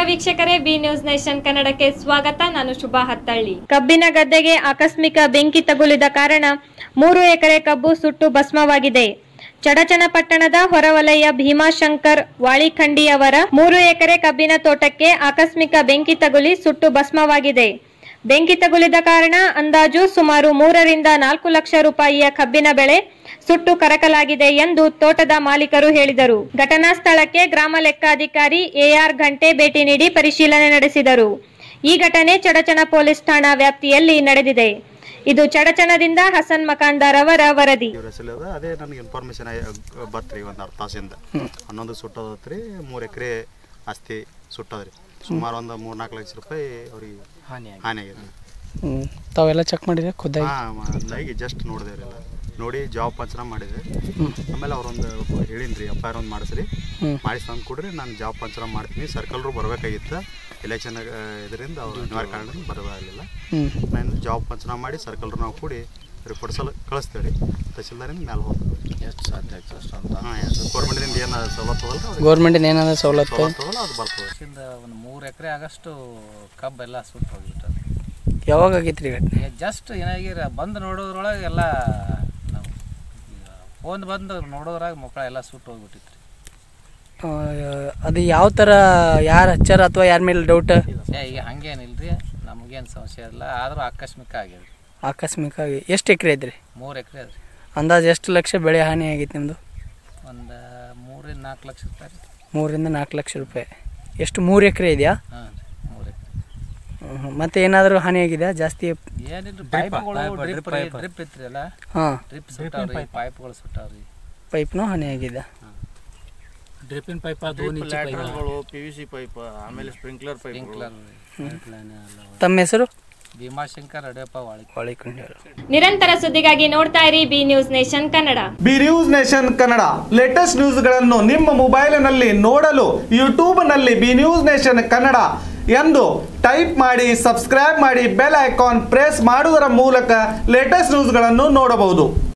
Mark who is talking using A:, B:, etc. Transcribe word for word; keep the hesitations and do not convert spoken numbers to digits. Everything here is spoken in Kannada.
A: ವೀಕ್ಷಕರೇ, ಬಿ ನ್ಯೂಸ್ ನೇಷನ್ ಕನ್ನಡಕ್ಕೆ ಸ್ವಾಗತ. ನಾನು ಶುಭಾ ಹತ್ತಳ್ಳಿ. ಕಬ್ಬಿನ ಗದ್ದೆಗೆ ಆಕಸ್ಮಿಕ ಬೆಂಕಿ ತಗುಲಿದ ಕಾರಣ ಮೂರು ಎಕರೆ ಕಬ್ಬು ಸುಟ್ಟು ಭಸ್ಮವಾಗಿದೆ. ಚಡಚನಪಟ್ಟಣದ ಹೊರವಲಯ ಭೀಮಾಶಂಕರ್ ವಾಳಿಖಂಡಿಯವರ ಮೂರು ಎಕರೆ ಕಬ್ಬಿನ ತೋಟಕ್ಕೆ ಆಕಸ್ಮಿಕ ಬೆಂಕಿ ತಗುಲಿ ಸುಟ್ಟು ಭಸ್ಮವಾಗಿದೆ. ಬೆಂಕಿ ತಗುಲಿದ ಕಾರಣ ಅಂದಾಜು ಸುಮಾರು ಮೂರರಿಂದ ನಾಲ್ಕು ಲಕ್ಷ ರೂಪಾಯಿಯ ಕಬ್ಬಿನ ಬೆಳೆ ಸುಟ್ಟು ಕರಕಲಾಗಿದೆ ಎಂದು ತೋಟದ ಮಾಲೀಕರು ಹೇಳಿದರು. ಘಟನಾ ಸ್ಥಳಕ್ಕೆ ಗ್ರಾಮ ಲೆಕ್ಕಾಧಿಕಾರಿ ಎಆರ್ ಘಂಟೆ ಭೇಟಿ ನೀಡಿ ಪರಿಶೀಲನೆ ನಡೆಸಿದರು. ಈ ಘಟನೆ ಚಡಚನ ಪೊಲೀಸ್ ಠಾಣಾ ವ್ಯಾಪ್ತಿಯಲ್ಲಿ ನಡೆದಿದೆ. ಇದು ಚಡಚನದಿಂದ ಹಸನ್ ಮಕಾಂದಾರ್ ಅವರ ವರದಿ.
B: ಅದೇ ನನಗೆ ಇನ್ಫಾರ್ಮೇಶನ್ ಬತ್ರಿ ಒಂದು ಅರ್ಧ ತಾಸಿಂದ ಹನ್ನೊಂದು ಸುಟ್ಟೋದ್ರಿ, ಮೂರು ಎಕರೆ ಆಸ್ತಿ ಸುಟ್ಟದ್ರಿ. ಸುಮಾರು ಒಂದು ಮೂರು ನಾಲ್ಕು ಲಕ್ಷ ರೂಪಾಯಿ ಅವ್ರಿಗೆ ಹಾನಿ ಆಗಿದೆ.
C: ತಾವೆಲ್ಲ ಚೆಕ್ ಮಾಡಿದ್ರೆ ಖುದ್ದಾಗಿ
B: ಹಾಂ ಜಸ್ಟ್ ನೋಡಿದೆ, ನೋಡಿ ಜಾಬ್ ಪಂಚನಾಮ ಮಾಡಿದೆ. ಆಮೇಲೆ ಅವ್ರೊಂದು ಹೇಳಿನ್ರಿ ಎಫ್ ಐ ಆರ್ ಒಂದು ಮಾಡಿಸ್ರಿ, ಮಾಡಿಸಿ ತಂದು ಕೊಡ್ರಿ, ನಾನು ಜಾಬ್ ಪಂಚನಾಮ ಮಾಡ್ತೀನಿ. ಸರ್ಕಲ್ರು ಬರಬೇಕಾಗಿತ್ತು, ಎಲೆಕ್ಷನ್ ಇದರಿಂದ ಅವ್ರು ಅನಿವಾರ್ಯ ಕಾರಣ ಬರಬಾರಲಿಲ್ಲ. ನಾನು ಜಾಬ್ ಪಂಚನಾಮ ಮಾಡಿ ಸರ್ಕಲ್ರು ನಾವು ಕೂಡಿ ರಿಪೋರ್ಟ್ ಸಲ ಕಳಿಸ್ತೇವೆ ರೀ. ತಹಸೀಲ್ದಾರಿಂದ ಮೇಲೆ ಹೋಗ್ತದೆ. ಎಷ್ಟು ಸಾಧ್ಯ ಆಗ್ತದೆ ಅಷ್ಟು ಅಂತ ಹಾಂ ಗೌರ್ಮೆಂಟಿಂದ ಏನು ಸವಲತ್ತು ಅದಲ್ಲ,
C: ಗೌರ್ಮೆಂಟಿಂದ ಏನಾದ್ರು ಸವಲತ್ತು
B: ಅದಲ್ಲ ಅದು ಬರ್ತದೆ.
D: ಒಂದು ಮೂರು ಎಕರೆ ಆಗಷ್ಟು ಕಬ್ಬೆಲ್ಲ ಸುಟ್ಟು ಹೋಗ್ಬಿಟ್ಟದೆ.
C: ಯಾವಾಗ ಆಗೈತೆ ರೀ ಘಟನೆ?
D: ಜಸ್ಟ್ ಏನಾಗಿರ ಬಂದು ನೋಡೋದ್ರೊಳಗೆ ಎಲ್ಲ ನಾವು ಫೋನ್ ಬಂದು ನೋಡೋದ್ರಾಗ ಮಕ್ಕಳ ಎಲ್ಲ ಸುಟ್ಟು ಹೋಗ್ಬಿಟ್ಟಿತ್ತು ರೀ.
C: ಅದು ಯಾವ ಥರ, ಯಾರು ಹಚ್ಚಾರ ಅಥವಾ ಯಾರ ಮೇಲೆ ಡೌಟ್?
D: ಈಗ ಹಂಗೇನಿಲ್ಲ ರೀ, ನಮಗೇನು ಸಮಸ್ಯೆ ಇಲ್ಲ, ಆದರೂ ಆಕಸ್ಮಿಕ ಆಗ್ಯದ.
C: ಆಕಸ್ಮಿಕ ಆಗಿ ಎಷ್ಟು ಎಕರೆ ಐತ್ರಿ?
D: ಮೂರು ಎಕರೆ ಅದ್ರಿ.
C: ಅಂದಾಜು ಎಷ್ಟು ಲಕ್ಷ ಬೆಳೆ ಹಾನಿ ಆಗೈತೆ ನಿಮ್ಮದು?
D: ಒಂದು ಮೂರಿಂದ ನಾಲ್ಕು ಲಕ್ಷ ರೂಪಾಯಿ ರೀ.
C: ಮೂರಿಂದ ನಾಲ್ಕು ಲಕ್ಷ ರೂಪಾಯಿ. ಎಷ್ಟು ಮೂರು ಎಕರೆ ಇದೆಯಾ?
D: ಹಾಂ ರೀ, ಮೂರು ಎಕರೆ.
C: ಮತ್ತೆ ಏನಾದರೂ ಹಾನಿ ಆಗಿದೆ ಜಾಸ್ತಿ?
D: ಏನಿಲ್ಲ, ಪೈಪ್ಗಳು ಡ್ರಿಪ್ ಡ್ರಿಪ್ ಇತ್ತು ಅಲ್ಲ,
C: ಹಾಂ
D: ಡ್ರಿಪ್ ಸುಟ್ಟಾವ್ರಿ, ಪೈಪ್ಗಳು ಸುಟ್ಟಾವ್ರಿ.
C: ಪೈಪ್ನೂ ಹಾನಿ ಆಗಿದೆ.
D: ಡ್ರಿಪ್ಪಿನ ಪೈಪ್ ಅದು ಪಿ ವಿ ಸಿ ಪೈಪ್, ಆಮೇಲೆ ಸ್ಪ್ರಿಂಕ್ಲರ್ ಪೈಪ್.
C: ತಮ್ಮ ಹೆಸರು?
D: ಭೀಮಾಶಂಕರ್ ಅಡ್ಯಪ್ಪ
C: ವಾಳಿಖಂಡಿಯವರು.
A: ನಿರಂತರ ಸುದ್ದಿಗಾಗಿ ನೋಡ್ತಾ ಇರಿ B News Nation Kannada.
E: B News Nation Kannada latest ನ್ಯೂಸ್ಗಳನ್ನು ನಿಮ್ಮ ಮೊಬೈಲಿನಲ್ಲಿ ನೋಡಲು ಯೂಟ್ಯೂಬ್ನಲ್ಲಿ ಬಿ ನ್ಯೂಸ್ ನೇಷನ್ ಕನ್ನಡ ಎಂದು ಟೈಪ್ ಮಾಡಿ, ಸಬ್ಸ್ಕ್ರೈಬ್ ಮಾಡಿ, ಬೆಲ್ ಐಕಾನ್ ಪ್ರೆಸ್ ಮಾಡುವುದರ ಮೂಲಕ ಲೇಟೆಸ್ಟ್ ನ್ಯೂಸ್ಗಳನ್ನು ನೋಡಬಹುದು.